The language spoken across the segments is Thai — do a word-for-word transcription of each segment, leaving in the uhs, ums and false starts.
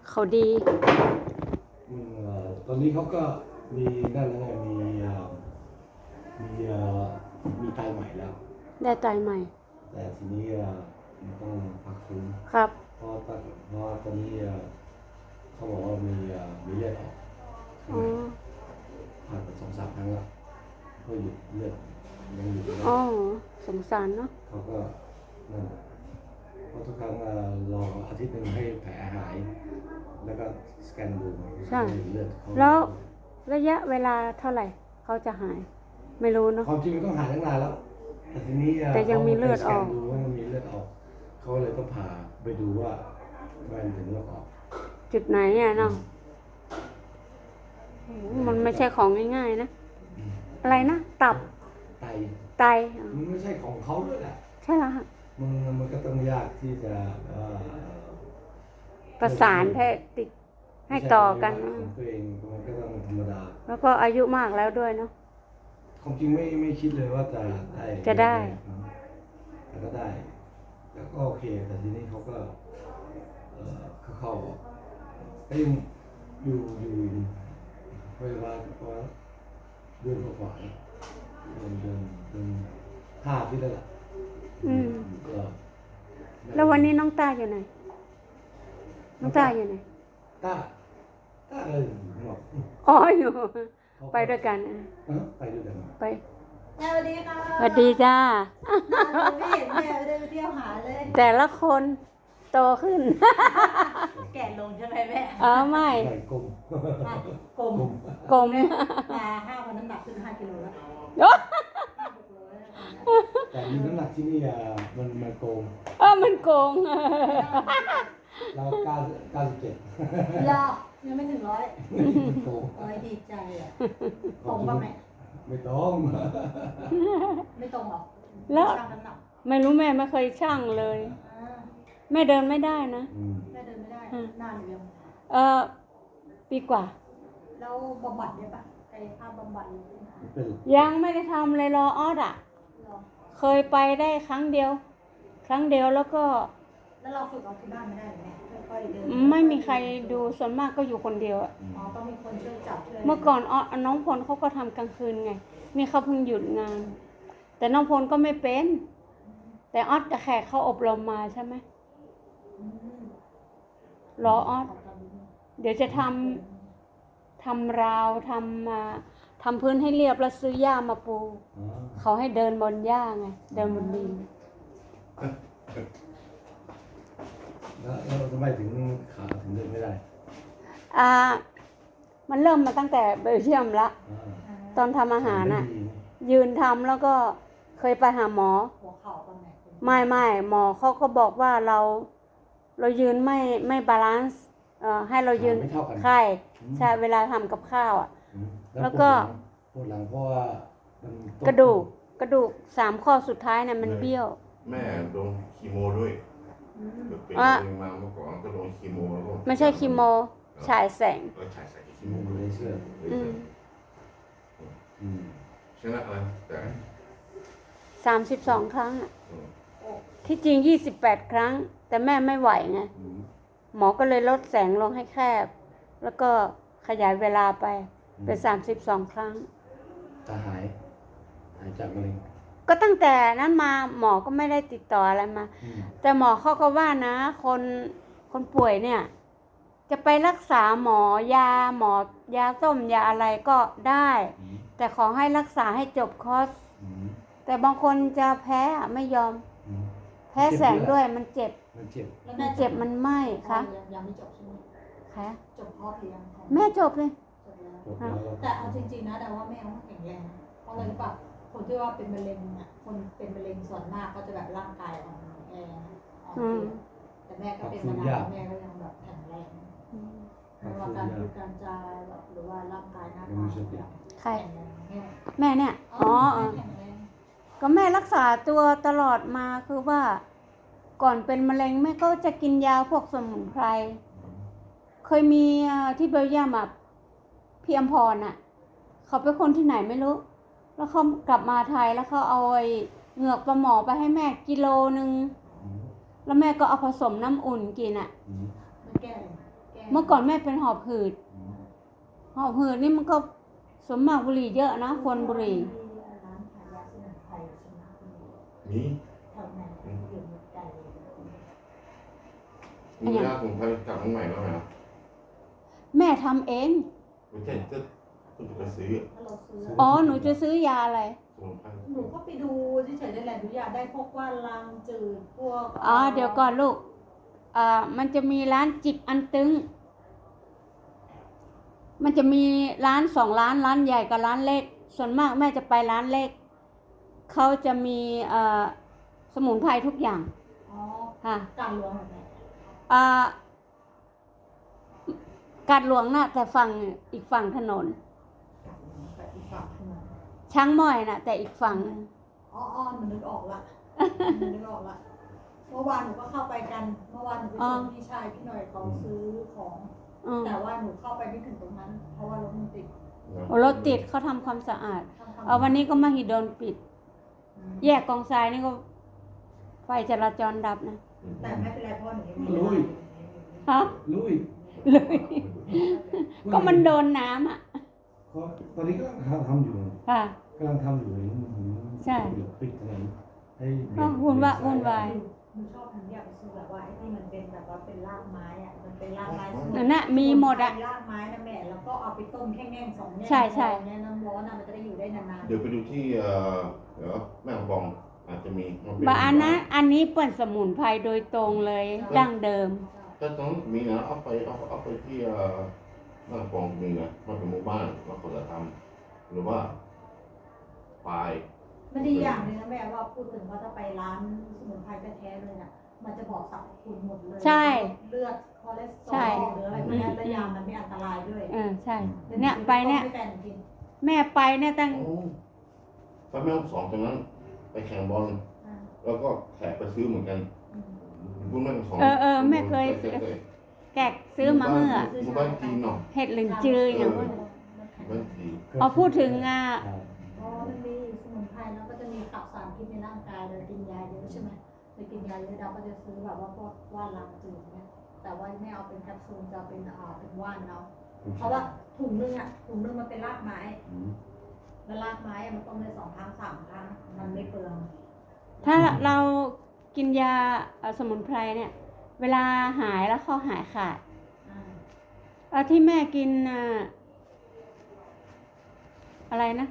เขาดีอืมเอ่อตอนนี้เขาก็มีนั่นแล้วไงมีเอ่อมีเอ่อมีไตใหม่แล้วได้ไตใหม่แต่ทีนี้เอ่อมันต้องพักฟื้นครับเพราะตอนเพราะตอนนี้เอ่อเขาบอกว่ามีเอ่อมีเลือดออกข้างอ๋ในอผ่านไปสองสามครั้งแล้วก็หยุดเลือดยังหยุดไม่ได้อ๋อสงสารเนาะเขาก็นั่นแหละเพราะทุกครั้งเอ่อรออาทิตย์หนึ่งให้แผลหาย แล้วก็สแกนดูเลือดเขาแล้วระยะเวลาเท่าไหร่เขาจะหาย ไม่รู้เนาะความจริงมันต้องหายตั้งนานแล้วแต่ทีนี้แต่ยังมีเลือดออกขาไปสแกนดูว่ามันมีเลือดออกเขาเลยต้องผ่าไปดูว่ามันถึงเลือดออกจุดไหนอ่ะเนาะโอ้โหมันไม่ใช่ของง่ายๆนะ อะไรนะ ตับไตไตอ๋อมันไม่ใช่ของเขาด้วยแหละใช่แล้วค่ะมันมันก็ต้องยากที่จะเอ่อประสานให้ติดให้ต่อกันไม่ใช่ของตัวเองมันก็ต้องธรรมดาแล้วก็อายุมากแล้วด้วยเนาะความจริงไม่ไม่คิดเลยว่าจะได้จะได้แต่ก็ได้แต่ก็โอเคแต่ทีนี้เขาก็เอ่อเข้าเข้าก็ยังอยู่อยู่เวลาก็เดือนกว่าๆเดือนเดือนเดือนห้าที่แล้วล่ะอืมก็แล้ววันนี้น้องตาอยู่ไหน น้องตาอยู่ไหนตาตาเลยบอกอ๋ออยู่ ไปด้วยกันอ่ะเออไปด้วยกันไปสวัสดีค่ะสวัสดีจ้าไม่เห็นแม่ไม่ได้ไปเที่ยวหาเลยแต่ละคนโตขึ้นแก่ลงใช่ไหมแม่เออไม่ใหญ่กลมอ่ะกลมกลมมาห้าวันน้ำหนักขึ้นห้ากิโลแล้วโอ๊ะห้าหกโลแล้วตอนนี้แต่มีน้ำหนักที่นี่อ่ะมันมันโกงเออมันโกงเราเก้าเก้าสิบเจ็ดยอยังไม่ถึงร้อยโกงร้อยดีใจอ่ะตรงป่ะแม่ไม่ต้องไม่ตรงหรอแล้วช่างน้ำหนักไม่รู้แม่ไม่เคยช่างเลยอ่าแม่เดินไม่ได้นะอืมแม่เดินไม่ได้นานหรือยังเออปีกว่าแล้วบำบัดเนี่ยปะกายภาพบำบัดหรือเป็นยังไม่ได้ทำเลยรอออดอ่ะหรอเคยไปได้ครั้งเดียว ครั้งเดียวแล้วก็แล้วเราฝึกเอาที่บ้านไม่ได้หรือไงค่อยๆเดินไม่มีใครดูส่วนมากก็อยู่คนเดียวอะอ๋อต้องมีคนช่วยจับช่วยเมื่อก่อนออน้องพลเขาก็ทำกลางคืนไง นี่เขาเพิ่งหยุดงาน แต่น้องพลก็ไม่เป็น แต่ออดกับแขกเขาอบรมมาใช่ไหมอืมรอออดเดี๋ยวจะทำทำราวทำมาทำพื้นให้เรียบแล้วซื้อหญ้ามาปูอ๋อเขาให้เดินบนหญ้าไง เดินบนดินแล้วแล้วทำไมถึงขาถึงเดินไม่ได้อ่า มันเริ่มมาตั้งแต่เบลเยียมละอ่าตอนทำอาหารน่ะไม่ดียืนทำแล้วก็เคยไปหาหมอหัวเข่าตรงไหนไม่ไม่หมอเขาก็บอกว่าเรา เรายืนไม่ไม่บาลานซ์เอ่อให้เรายืนขาไม่เท่ากันใช่ใช่เวลาทำกับข้าวอ่ะอืมแล้วก็ปวดหลังปวดหลังเพราะว่ามันต้องกระดูกกระดูกสามข้อสุดท้ายเนี่ยมันเบี้ยวแม่ลงคีโมด้วยอืมเป็นอ่ะมะเร็งมาเมื่อก่อนก็ลงคีโมแล้วก็ไม่ใช่คีโมฉายแสงก็ฉายใส่คีอืโมมเลเลย ยเชื่ออืมอืมชนะอะไรแต่สามสิบสองครั้งอะอืมที่จริงยี่สิบแปดครั้ง แต่แม่ไม่ไหวไงอืมหมอก็เลยลดแสงลงให้แคบ แล้วก็ขยายเวลาไปเป็นสามสิบสองครั้งจะหาย หายจากมะเร็งก็ตั้งแต่นั้นมาหมอก็ไม่ได้ติดต่ออะไรมาอืมแต่หมอเขาก็ว่านะ คนคนป่วยเนี่ย จะไปรักษาหมอยาหมอยาต้มยาอะไรก็ได้อืมแต่ขอให้รักษาให้จบคอร์สอืมแต่บางคนจะแพ้อะไม่ยอมอืมแพ้แสงด้วยมันเจ็บมันเจ็บแล้วมัแม่นเจ็บมันไหม้คะยังยังไม่จบใช่ไหมคะจบครอบหรือยังคะแม่จบเลยจบแล้วจบแล้วก็แต่เอาจริงๆนะแต่ว่าแม่เขาแข็งแรงนะเพราะอะไรรู้ป่ะคนที่ว่าเป็นมะเร็งอ่ะคนเป็นมะเร็งส่วนมากก็จะแบบร่างกายอ่อนแออ่อนเพลียแต่แม่ก็เป็นมานานแม่ก็ยังแบบแข็งแรงไม่ว่าการพูดการจาแบบหรือว่าร่างกายหน้าตาแบบใครแข็งแรงแม่แม่เนี่ยอ๋อเออแข็งแรงก็แม่รักษาตัวตลอดมาคือว่า ก่อนเป็นมะเร็งแม่ก็จะกินยาพวกสมุนไพร เคยมีอ่าที่เบลเยียมอ่ะพี่อมพรน่ะ เขาเป็นคนที่ไหนไม่รู้ แล้วเขากลับมาไทยแล้วเขาเอาไอ้เหงือกปลาหมอไปให้แม่กิโลนึงอืมแล้วแม่ก็เอาผสมน้ำอุ่นกินอ่ะอืมมันแก้อะไรแก้เมื่อก่อนแม่เป็นหอบหืดอืมหอบหืดนี่มันก็สมมากบุหรี่เยอะนะคนบุหรี่ร้านขายยาสมุนไพรใช่ไหมนี่แถวนั้นอยู่หมดใจเลยมียาสมุนไพรจากเมืองใหม่แล้วไหมครับแม่ทำเองไม่ใช่จะคุณจะไปซื้อถ้าเราซื้ออ๋อหนูจะซื้อยาอะไรสมุนไพรหนูก็ไปดูเฉยๆได้แหละหนูอยากได้พวกว่าลางจืดพวกอ๋อเดี๋ยวก่อนลูกอ่ามันจะมีร้านจิบอันตึง มันจะมีร้านสองร้านร้านใหญ่กับร้านเล็ก ส่วนมากแม่จะไปร้านเล็ก เขาจะมีเอ่อสมุนไพรทุกอย่างอ๋อค่ะการหลวงแบบนี้อ่ากาดหลวงน่ะ แต่ฝั่งอีกฝั่งถนนแบบอีกฝั่งขึ้นมาช้างม้อยน่ะ แต่อีกฝั่งหนึ่งอ๋ออ๋อหนูนึกออกละหนูนึกออกละเมื่อวานหนูก็เข้าไปกันเมื่อวานหนูไปส่งพี่ชายพี่หน่อยเขาซื้อของอืมแต่ว่าหนูเข้าไปไม่ถึงตรงนั้น เพราะว่ารถมันติดโอ้รถติดเขาทำความสะอาดทำความเอาวันนี้ก็มหิดลปิดอืมแยกกองทรายนี่ก็ไฟจราจรดับนะแต่ไม่เป็นไรเพราะหนูยังมีลุยฮะลุยเลย ก็มันโดนน้ำอ่ะเขาตอนนี้ก็กำลังทำอยู่ค่ะกำลังทำอยู่เลยใช่เดี๋ยวปิดถนนให้ก็วุ่นวะวุ่นวายหนูชอบหนูอยากไปซื้อแบบว่าไอ้ที่มันเป็นแบบว่าเป็นรากไม้อะมันเป็นรากไม้นั่นน่ะมีหมดอะรากไม้นะแม่แล้วก็เอาไปต้มแค่แง่งสองแง่งใช่ใช่เนี่ยน้ำร้อนอะมันจะได้อยู่ได้นานๆเดี๋ยวไปดูที่เอ่อเดี๋ยวแม่ของบองอาจจะมีมันเป็นบาอันนะอันนี้เปิดสมุนไพรโดยตรงเลย ดั้งเดิมถ้าตรงนั้นมีนะเอาไปเอาเอาไปที่เอ่อแม่ของบองมีนะมันเป็นหมู่บ้านเราควรจะทำหรือว่าปลายมันดีอย่างหนึงนะแม่ว่าพูดถึงว่าถ้าไปร้านสมุนไพรแท้ๆเลยน่ะมันจะบอกสรรพคุณหมดเลยใช่เลือดคอเลสเตอใช่รอลหรืออะไรพวกเนี้ยและยามันไม่อันตรายด้วยเออใช่ เนี่ยไปเนี่ยให้แฟนกินแม่ไปเนี่ยตั้งโอ้ไปแม่ห้องสองตรงนั้น ไปแข่งบอลอ่าแล้วก็แขกไปซื้อเหมือนกันอืมคุณแม่ของสองเออเออแม่เคยซื้อ แกกซื้อมาเมื่อหมู่บ้านจีนเนาะเห็ดหลินจืออย่างว่าหมู่บ้านจีนเอาพูดถึงอ่ะอ๋อมันมีสมุนไพรแล้วก็จะมีขับสารพิษในร่างกายเลยกินยาเยอะใช่ไหมไปกินยาเยอะเราก็จะซื้อแบบว่าพวกว่านลางจืดเนี่ยแต่ว่าไม่เอาเป็นแคปซูลจะเอาเป็นอ่าเป็นว่านเอาเพราะว่าถุงนึงอ่ะถุงนึงมันเป็นรากไม้อืมแล้วรากไม้อะมันต้มได้สองครั้งสามครั้งมันไม่เปลืองถ้าเรากินยาเอ่อสมุนไพรเนี่ย เวลาหายแล้วข้อหายขาดอ่าเอาที่แม่กินอ่ะอะไรนะ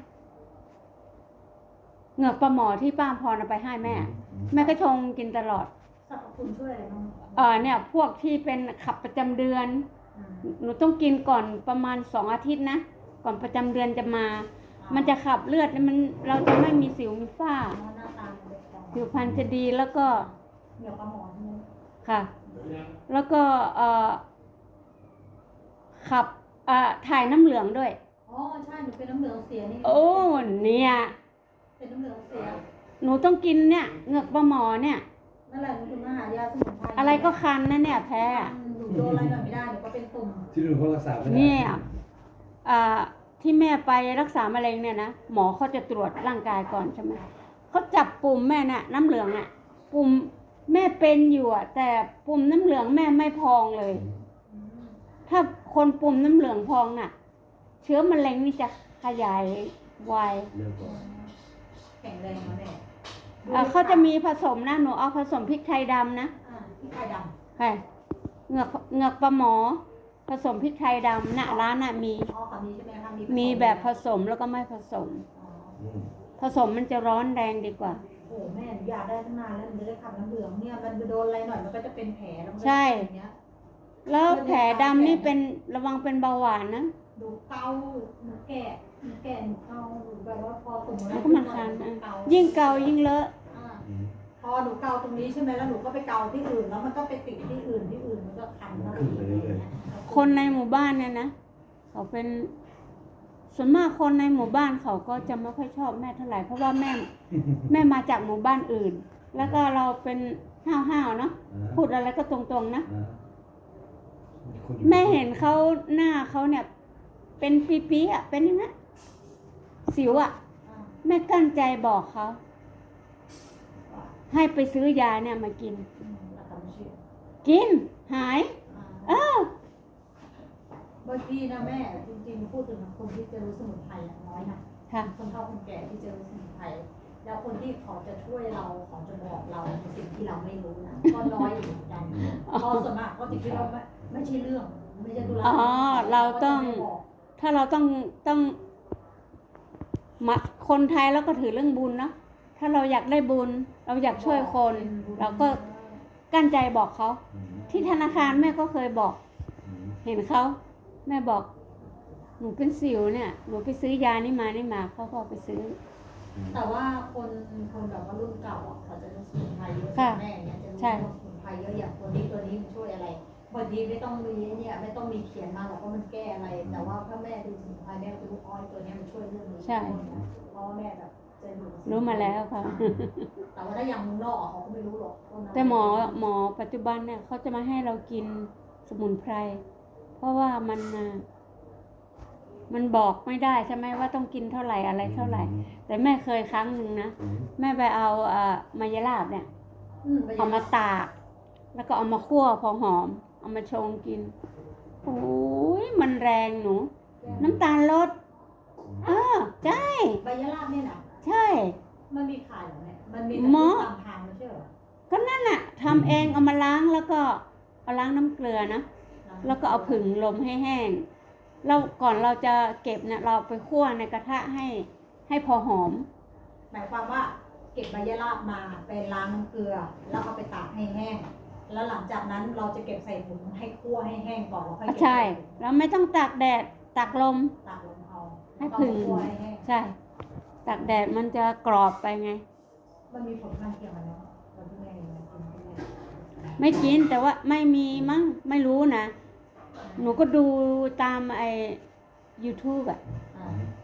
เหงือกปลาหมอที่ป้าพรเอาไปให้แม่ แม่ก็ชงกินตลอดสรรพคุณช่วยอะไรบ้างเออเนี่ย พวกที่เป็นขับประจำเดือนอ่าหนูต้องกินก่อนประมาณสองอาทิตย์นะ ก่อนประจำเดือนจะมา มันจะขับเลือดแล้วมันเราจะไม่มีสิวมีฝ้าอ๋อหน้าตามันเป็นของผิวพรรณจะดีแล้วก็เหนียวปลาหมอใช่ไหมค่ะ แล้วก็เอ่อขับเอ่อถ่ายน้ำเหลืองด้วยอ๋อใช่หนูเป็นน้ำเหลืองเสียนี่โอ้เนี่ยเป็นน้ำเหลืองเสียหนูต้องกินเนี่ยเหงือกปลาหมอเนี่ยนั่นแหละหนูถึงมาหายาสมุนไพรอะไรก็คันนะเนี่ยแพ้หนูโดนอะไรหน่อยไม่ได้หนูก็เป็นตุ่มที่ดูเขารักษาไม่ได้เนี่ยอ่าที่แม่ไปรักษามะเร็งเนี่ยนะหมอเขาจะตรวจร่างกายก่อนใช่ไหมเขาจับปุ่มแม่น่ะ น้ำเหลืองอ่ะ ปุ่มแม่เป็นอยู่อ่ะ แต่ปุ่มน้ำเหลืองแม่ไม่พองเลยอืมถ้าคนปุ่มน้ำเหลืองพองน่ะ เชื้อมะเร็งนี่จะขยายไวเร็วกว่าแข็งแรงมาแน่เอ่อเขาจะมีผสมนะหนูเอาผสมพริกไทยดำนะอ่าพี่ไข่ดใช่เหงือกเหงือกปลาหมอ ผสมพริกไทยดำน่ะร้านน่ะมีำอ๋อค่ะมีใช่ไหมคะมีมีแบบผสมแล้วก็ไม่ผสมอ๋ออืมผสมมันจะร้อนแรงดีกว่าโอ้แม่หนูอยากได้ตั้งนานแล้วหนูไม่ได้ขับน้ำเหลืองเนี่ยมันโดนอะไรหน่อยมันก็จะเป็นแผลแล้วมันก็จะใช่เป็นอย่างเงี้ยแล้วแผลดำนี่เป็นระวังเป็นเบาหวานนะดูเกาหนูแก่หนูแก่หนูเกาหนูแบบว่าพอตุ่มอะไรแล้วก็มันคันหอ่ะเกายิ่งเกายิ่งเลอะอ่าอืมพอหนูเกาตรงนี้ใช่ไหมแล้วหนูก็ไปเกาที่อื่นแล้วมันก็ไปติดที่อื่นที่อื่นมันก็คันเข้าไปอีกอะไรอย่างเงี้ยคนในหมู่บ้านเนี่ยนะเขาเป็นส่วนมากคนในหมู่บ้านเขาก็จะไม่ค่อยชอบแม่เท่าไหร่เพราะว่าแม่ แม่มาจากหมู่บ้านอื่น แล้วก็เราเป็นห้าวๆเนาะอ่าพูดอะไรก็ตรงๆนะอ่าคนอยู่แม่เห็นเขาหน้าเขาเนี่ย เป็นปีๆอ่ะเป็นอย่างนั้นสิวอ่ะอ่าแม่กั้นใจบอกเขาให้ไปซื้อยาเนี่ยมากินอืมแล้วก็ไม่เชื่อกินหายอ่าเออางทีนะแม่จริงๆพูดถึงคนที่จะรู้สมุนไพรอะน้อยนะค่ะคนเฒ่าคนแก่ที่จะรู้สมุนไพรแล้วคนที่เขาจะช่วยเราเขาจะบอกเราในสิ่งที่เราไม่รู้นะก็น้อยอยู่เหมือนกันเพราะส่วนมากเขาจะคิดว่าไม่ไม่ใช่เรื่องไม่ใช่ธุระอ๋อเราต้องขจะไม่บอกถ้าเราต้องต้องมาคนไทยเราก็ถือเรื่องบุญเนาะถ้าเราอยากได้บุญ เราอยากช่วยคน เราก็กั้นใจบอกเขาอืมที่ธนาคารแม่ก็เคยบอกอืมเห็นเขาแม่บอก หนูเป็นสิวเนี่ยหนูไปซื้อยานี่มานี่มาเขาก็เอาไปซื้อแต่ว่าคนคนแบบว่ารุ่นเก่าอ่ะเขาจะรู้สมุนไพรเยอะค่ะแม่เนี่ยจะรู้ใช่สมุนไพรเยอะอย่างตัวนี้ตัวนี้มันช่วยอะไรบางทีไม่ต้องมีเนี่ยไม่ต้องมีเขียนมาหรอกว่ามันแก้อะไร แต่ว่าถ้าแม่ดูสมุนไพรแม่ก็จะรู้อ๋อตัวเนี้ยมันช่วยเรื่องนี้ใช่เพราะว่าแม่แบบจะอยู่กับสนไพรู้มาแล้วค่ะแต่ว่าถ้าอย่างเมืองนอกอะเขาก็ไม่รู้หรอกว่ามันแต่หมอหมอปัจจุบันเนี่ยเขาจะมาให้เรากินสมุนไพร เพราะว่ามันน่ะมันบอกไม่ได้ใช่ไหมว่าต้องกินเท่าไหร่อะไรเท่าไหร่ แต่แม่เคยครั้งหนึ่งนะอืมแม่ไปเอาเอ่อมายาลาบเนี่ยอืมไปเอามาตาก แล้วก็เอามาคั่วพอหอม เอามาชงกินโอ้ยมันแรงหนู น้ำตาลลดเออใช่ใบยะลาบเนี่ยนะใช่มันมีขายเหรอแม่มันมีหมอตามทางไม่ใช่เหรอก็นั่นน่ะทำเองเอามาล้างแล้วก็เอาล้างน้ำเกลือนะ แล้วก็เอาผึ่งลมให้แห้งแล้วก่อนเราจะเก็บเนี่ยเราไปคั่วในกระทะให้ให้พอหอมหมายความว่าเก็บใบยะลาบมาไปล้างน้ำเกลือ แล้วเอาไปตากให้แห้ง แล้วหลังจากนั้นเราจะเก็บใส่ถุงให้คั่วให้แห้งก่อนแล้วค่อยเก็บใช่ใส่ถุงเราไม่ต้องตากแดดตากลมตากลงเอาให้แล้วก็ผึ่งคั่วให้แห้งใช่ตากแดดมันจะกรอบไปไงมันมีผลข้างเคียงกันเนาะเราที่แม่ยังกินที่แม่ไม่กินแต่ว่าไม่มีมั้งไม่รู้นะ หนูก็ดูตามไอ้ YouTube อ่ะอ่า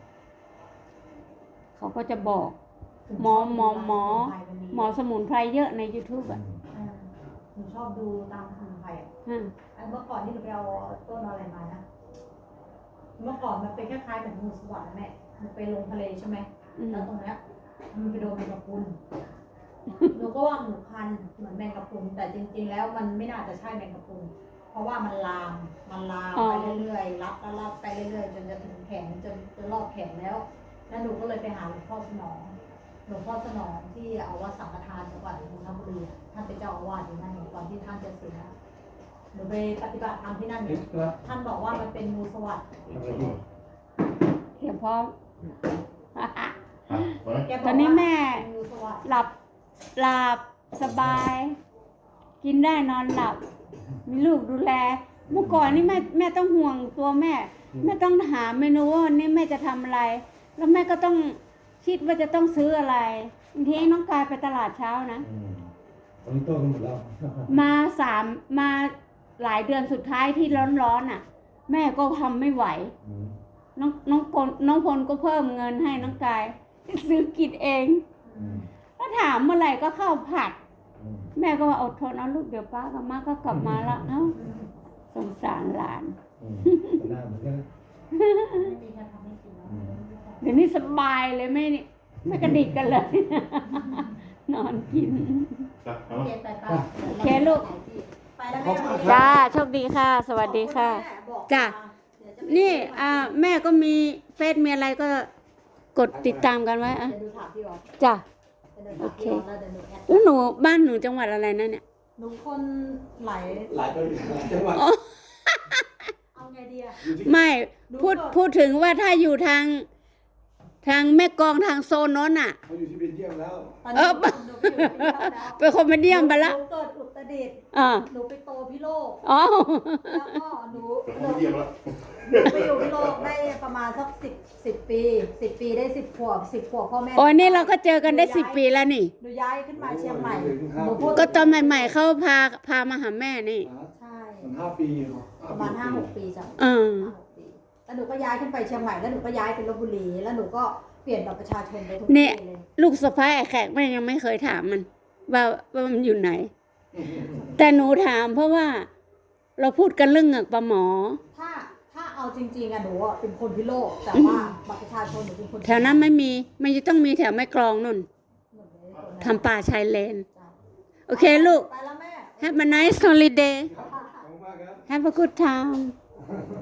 เขาก็จะบอก หมอหมอหมอ หมอสมุนไพรเยอะใน YouTube อ่ะอ่าหนูชอบดูตามสมุนไพรอ่ะอืมไอ้เมื่อก่อนที่หนูไปเอาต้นอะไรมานะ เมื่อก่อนมันเป็นคล้ายๆเหมือนงูสวัสด์นะแม่มันไปลงทะเลใช่ไหมอืมแล้วตรงเนี้ยมันไปโดนแมงกะพรุน หนูก็ว่าหนูคันเหมือนแมงกะพรุน แต่จริงๆแล้วมันไม่น่าจะใช่แมงกะพรุน เพราะว่ามันลาม มันลามไปเรื่อยๆ รับแล้วรับไปเรื่อยๆ จนจะถึงแขนจนจะรอบแขนแล้ว แล้วหนูก็เลยไปหาหลวงพ่อสนอง หลวงพ่อสนองที่เอาวัดสังฆทานจังหวัดนนทบุรีอะท่านเป็นเจ้าอาวาสอยู่นั่นเนี่ยก่อนที่ท่านจะเสียหนูไปปฏิบัติธรรมที่นั่นเอ็เนี่ยกซ์ตร้าท่านบอกว่ามันเป็นงูสวัสด์ทำอะไรอยู่เตรียมพร้อมครับไว้แกบกตว่าอนนี้แม่เป็นงูสวัสด์หลับหลับสบาย กินได้นอนหลับ มีลูกดูแล เมื่อก่อนนี่แม่แม่ต้องห่วงตัวแม่ แม่ต้องหาเมนูว่าวันนี้แม่จะทำอะไร แล้วแม่ก็ต้องคิดว่าจะต้องซื้ออะไรบางทีน้องกายไปตลาดเช้านะอืมตอนนี้โตกันหมดแล้วมาสามมาหลายเดือนสุดท้ายที่ร้อนๆน่ะ แม่ก็ทำไม่ไหวอืมน้องน้องกลน้องพลก็เพิ่มเงินให้น้องกาย ซื้อกินเองอืมถ้าถามเมื่อไหร่ก็เข้าวผัดอืมแม่ก็ว่าอดทนเอาลูกเดี๋ยวป้ากับมาก็กลับมาละเอ้าสงสารหลานอืมแต่หน้าเหมือนกันนะไม่มีใครทำให้กินแล้วเดี๋ยวนี้สบายเลยไม่ไม่กระดิกกันเลย นอนกินครับเอาเก็บไปป้าโอเคลูกไปแล้วแม่วันนี้จ้าโชคดีค่ะ สวัสดีค่ะขอบณแม่บอกจ้ะเดี๋ยวจะไปนี่อ่าแม่ก็มีเฟซมีอะไรก็กดติดตามกันไว้อ่ะเดี๋ยวดูถามพี่วอจ้ะเดี๋ยวดูถามพี่วอแล้วเดี๋ยวหนูแอดแล้วหนูบ้านหนูจังหวัดอะไรนะเนี่ยหนูคนไหลหลายคนหลายจังหวัดเอาไงดีอะอยู่ที่ไม่พูดพูดถึงว่าถ้าอยู่ทาง ทางแม่กลองทางโซนโน้นอ่ะเขาอยู่ที่เบลเยียมแล้วตอนเอนี้อหนูไปอยู่ที่นั่นแล้วเป็นคอมเมเดี้ไปละหนูเกิดอุตรดิตถ์อ่าหนูไปโตพิโลกอ๋อแล้วก็หนูเดี๋ยวหเขานูเยี่ยมแล้วหนูไปอยู่พิโลกได้ประมาณสักสิบสิบปีสิบปีได้สิบขวบสิบขวบพ่อแม่โอ้ยนี่เราก็เจอกันได้สิบปีแล้วนี่หนูย้ายขึ้นมาเชียงใหม่โอ้ยหนูพูดก็ตอนใหม่ ๆเขาพาพามาหาแม่นี่ใช่มันห้าปีเหรอประมาณห้าหกปีจ้ะเออห้าหกปีแล้วหนูก็ย้ายขึ้นไปเชียงใหม่แล้วหนูก็ย้ายไปลบบุรีแล้วหนูก็เปลี่ยนบัตรประชาชนไปทุกเนี่ที่ยเลยลูกสะพ้ายไอ้แขกแม่ยังไม่เคยถามมัน ว่าว่ามันอยู่ไหน แต่หนูถามเพราะว่า เราพูดกันเรื่องเหงือกปลาหมอถ้าถ้าเอาจริงๆอะหนูอะเป็นคนพิโลกแต่ว่าบัตรประชาชนหนูเป็นคนแถวนั้นไม่มีมันจะต้องมีแถวแม่กลองนุ่นหนูเป็นคนทำป่าชายเลนจ้ะโอเคลูกไปแล้วแม่ Have a nice holiday ครับขอบคุณมากครับ Have a good time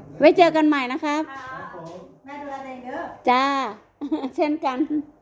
ไว้เจอกันใหม่นะครับค่ะแม่ดูแลตัวเองเด้อจ้า เช่นกัน